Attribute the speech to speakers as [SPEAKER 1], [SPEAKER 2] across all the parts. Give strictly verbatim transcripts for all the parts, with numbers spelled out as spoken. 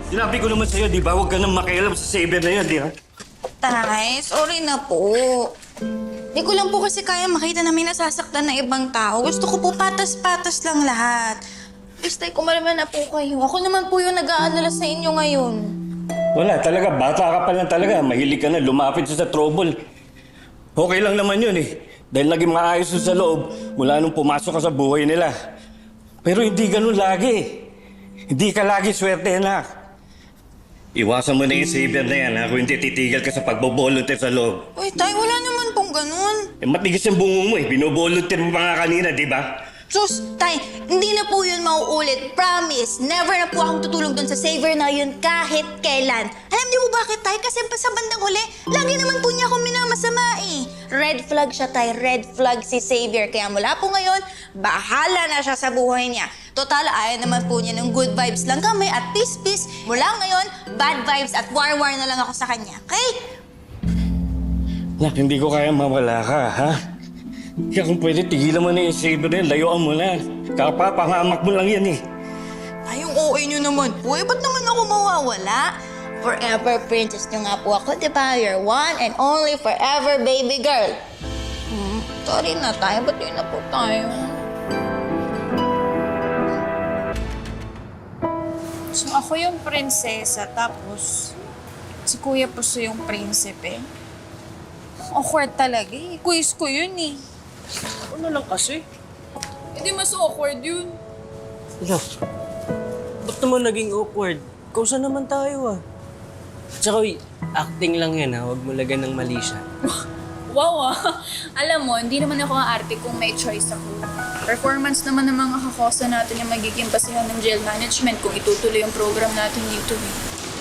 [SPEAKER 1] Sinabi ko naman sa'yo, di ba? Huwag ka nang makialam sa Saber na yan, di ba?
[SPEAKER 2] Tay, sorry na po. Di ko lang po kasi kaya makita na may nasasaktan na ibang tao. Gusto ko po patas-patas lang lahat. Please, tay, kumalma na po kayo. Ako naman po yung nag-aalala sa inyo ngayon.
[SPEAKER 1] Wala, talaga. Bata ka pa lang talaga. Mahilig ka na. Lumapit sa trouble. Okay lang naman yun eh. Dahil naging maayos sa loob mula nung pumasok ka sa buhay nila. Pero hindi ganun lagi. Hindi ka lagi swerte, anak. Iwasan mo na yung Saber na yan, ha? Kung hindi titigil ka sa pagbo-volunteer sa loob.
[SPEAKER 2] Uy, tay, wala naman pong ganun.
[SPEAKER 1] Eh, matigas yung bungo mo eh. Bino-volunteer mo pa nga kanina, di ba?
[SPEAKER 2] Sus, tay, hindi na po yun mauulit. Promise, never na po akong tutulong doon sa saver na yun kahit kailan. Alam niyo po bakit, tay? Kasi pa sa bandang huli, lagi naman po niya akong minamasama eh. Red flag siya, tay. Red flag si Savior. Kaya mula po ngayon, bahala na siya sa buhay niya. Total, ayaw naman po niya ng good vibes lang kami at peace-peace. Mula ngayon, bad vibes at war-war na lang ako sa kanya. Okay?
[SPEAKER 1] Nak, hindi ko kaya mawala ka, ha? Kaya kung pwede, tigilan mo na yung Saber na yan. Layuan mo na. Kapapangamak mo lang yan eh.
[SPEAKER 2] Ay, yung O A niyo naman po. Eh, ba't naman ako mawawala? Forever princess niyo nga po ako, di ba? You're one and only forever baby girl. Hmm, sorry na tayo. Ba't yun na po tayo?
[SPEAKER 3] So ako yung prinsesa, tapos si Kuya Puso yung prinsipe. Awkward talaga eh. Quiz ko yun eh.
[SPEAKER 4] Ano lang kasi?
[SPEAKER 3] Hindi mas awkward yun.
[SPEAKER 4] Ala, ba't naman naging awkward? Kausa naman tayo ah. Tsaka uy, acting lang yan ha. Huwag mo lagan ng mali siya.
[SPEAKER 3] Wow ah. Alam mo, hindi naman ako ang arte kung may choice ako. Performance naman ng mga kakosa natin yung magiging basihan ng jail management kung itutuloy yung program natin dito eh.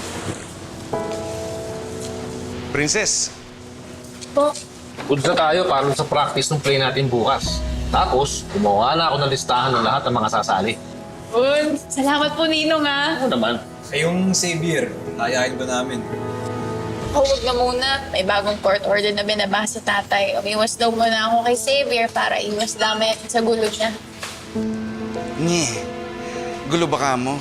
[SPEAKER 5] Princess,
[SPEAKER 3] Po,
[SPEAKER 6] Good na tayo para sa practice ng play natin bukas. Tapos, gumawa na ako ng listahan ng lahat ng mga sasali.
[SPEAKER 3] Un, salamat po Ninong ah.
[SPEAKER 6] Ano naman?
[SPEAKER 7] Ay, yung Xavier, ayahin ba namin?
[SPEAKER 3] Oh, huwag na muna. May bagong court order na binabasa tatay. Umiwas daw muna ako kay Xavier para iwas dami sa gulo niya.
[SPEAKER 5] Nye, gulo ba ka mo?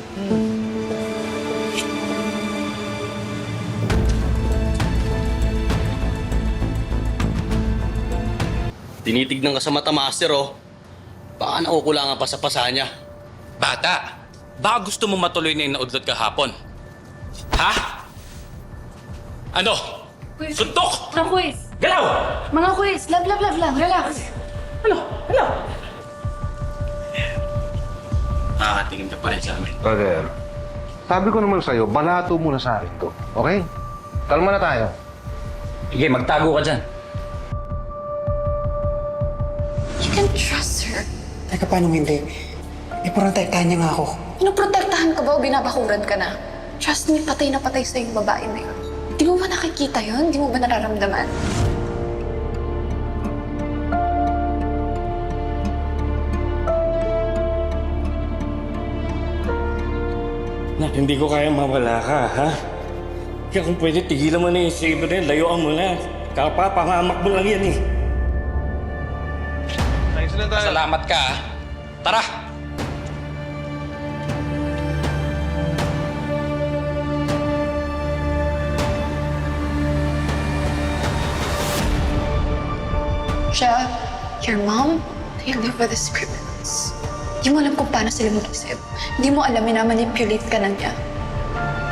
[SPEAKER 8] Tinitignan ka sa mata, master, oh. Baka nakukulangan pa sa pasa niya.
[SPEAKER 9] Bata, baka gusto mo matuloy na yung naudlot kahapon. Ha? Ano? Suntok!
[SPEAKER 10] Mga quiz!
[SPEAKER 9] Galaw!
[SPEAKER 10] Mga quiz! Love, love, love lang. Relax.
[SPEAKER 9] Ano? Ano? Nakakatingin ka pa rin sa amin.
[SPEAKER 11] Brother, sabi ko naman sa'yo, balato muna sa akin to. Okay? Kalma na tayo.
[SPEAKER 9] Sige, magtago ka dyan.
[SPEAKER 10] You can trust her.
[SPEAKER 4] Teka, paano hindi? Iprotektahan niya nga ako.
[SPEAKER 10] Pinoprotektahan ka ba o binabakuran ka na? Trust me, patay na patay sa yung babae na yun. Di mo ba nakikita yun? Di mo ba nararamdaman?
[SPEAKER 1] Nak, hindi ko kaya mawala ka, ha? Kaya kung pwede, tigilan mo na yung Saber na yan. Layuan mo na. Kapapangamak mo lang yan eh.
[SPEAKER 5] Thanks lang tayo.
[SPEAKER 9] Salamat ka, ha? Tara!
[SPEAKER 10] Siya, your mom, they live with these criminals. Di mo alam kung paano sila mag-isip. Di mo alam na manipulate ka na niya.